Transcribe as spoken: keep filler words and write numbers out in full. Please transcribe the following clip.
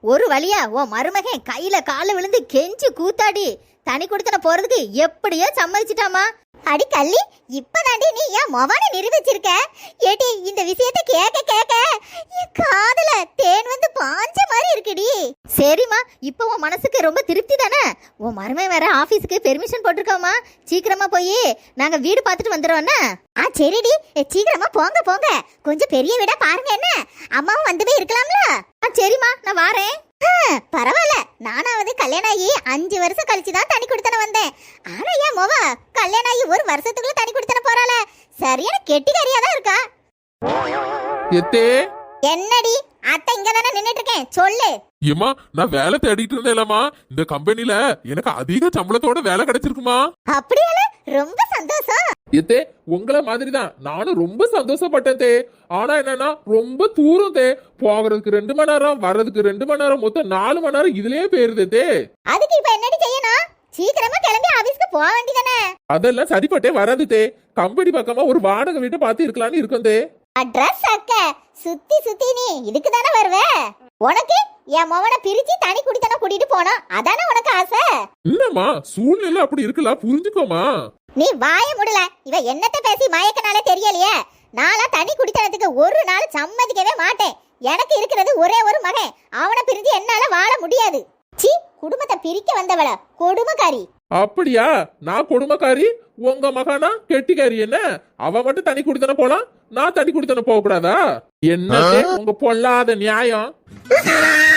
ஒரு வழியா உன் மருமகன் கையில கால விழுந்து கெஞ்சி கூத்தாடி தனி கொடுத்தன போறதுக்கு எப்படியோ சம்மதிச்சிட்டாமா. அடி கள்ளி, இப்பதாண்டி நீ ஏன் மொவான நிரூபிச்சிருக்க. ஏடி இந்த விஷயத்தை கேட்க கேட்க என் காதுல தேன் வந்து பாஞ்ச மாதிரி இருக்குடி. சரிம்மா, இப்போ உன் மனசுக்கு ரொம்ப திருப்தி தானே? உன் மருமகன் வேற ஆபீஸ்க்கு பெர்மிஷன் போட்டிருக்கோமா, சீக்கிரமா போய் நாங்க வீடு பார்த்துட்டு வந்துடுவோண்ணா. ஆ சரிடி, சீக்கிரமா போங்க போங்க. கொஞ்சம் பெரிய வீடா பாருங்க. என்ன அம்மாவும் வந்து போய் இருக்கலாம்ல? ஆ சரிம்மா, நான் வாரேன். பரவாயில்ல, நானாவது கல்யாணம் ஆகி அஞ்சு வருஷம் கழிச்சுதான் தனி கொடுத்தன வந்தேன். ஆனா ஏன் மொவ கல்யாணம் ஆகி ஒரு வருஷத்துக்குள்ள தனி கொடுத்தன போறாள. சரியான கெட்டிக்காரியா தான் இருக்கா. என்னடி அத்தை இங்க தானே நின்னுட்டு இருக்கேன், சொல்லு. ஏமா, நான் வேலை தேடிட்டு இருந்தேன்லமா, இந்த கம்பெனில எனக்கு அதிக சம்பளத்தோட வேலை கிடைச்சிருக்குமா. அப்படியால, ரொம்ப சந்தோஷம். ஏத்தே, உங்கள மாதிரிதான் நானும் ரொம்ப சந்தோஷப்பட்டேன் தே. ஆனா என்னன்னா ரொம்ப தூரம் தே, போகிறதுக்கு ரெண்டு மணி நேரம், வர்றதுக்கு ரெண்டு மணி நேரம், மொத்தம் நாலு மணி நேரம் இதுலயே போயிருது தே. அதுக்கு இப்ப என்னடி செய்யணும்? சீக்கிரமா கிளம்பி ஆபீஸ்க்கு போக வேண்டியதானே? அதெல்லாம் சரிப்பட்டே வராது தே. கம்பெனி பக்கமா ஒரு வாடகை வீட்டை பார்த்து இருக்கலாம்னு இருக்கும் தே. அட்ரஸ் அக்க சுத்தி சுத்தி நீ இதுக்கு தானே வருவ? உனக்கு என் மவனை பிரிச்சு தனி குடித்தன கூட்டிட்டு போனோம், அதானே உனக்கு ஆசை? இல்லம்மா, சூழ்நிலை அப்படி இருக்கலாம், புரிஞ்சுக்கோமா. நீ வாய முடல. இவ என்னத்த பேசி மயக்கனால தெரியலையே. நாளா தனி குடித்தனத்துக்கு ஒரு நாள் சம்மதிக்கவே மாட்டேன். எனக்கு இருக்கிறது ஒரே ஒரு மகன், அவனை பிரிஞ்சு என்னால வாழ முடியாது. சி, குடும்பத்தை பிரிக்க வந்தவள கொடுமைக்காரி. அப்படியா? நான் கொடுமைக்காரி, உங்க மகானா கெட்டிக்காரி. என்ன அவ மட்டும் தனி குடித்தன போலாம், நான் தனி குடித்தன போக கூடாதா? என்ன உங்க பொல்லாத நியாயம்?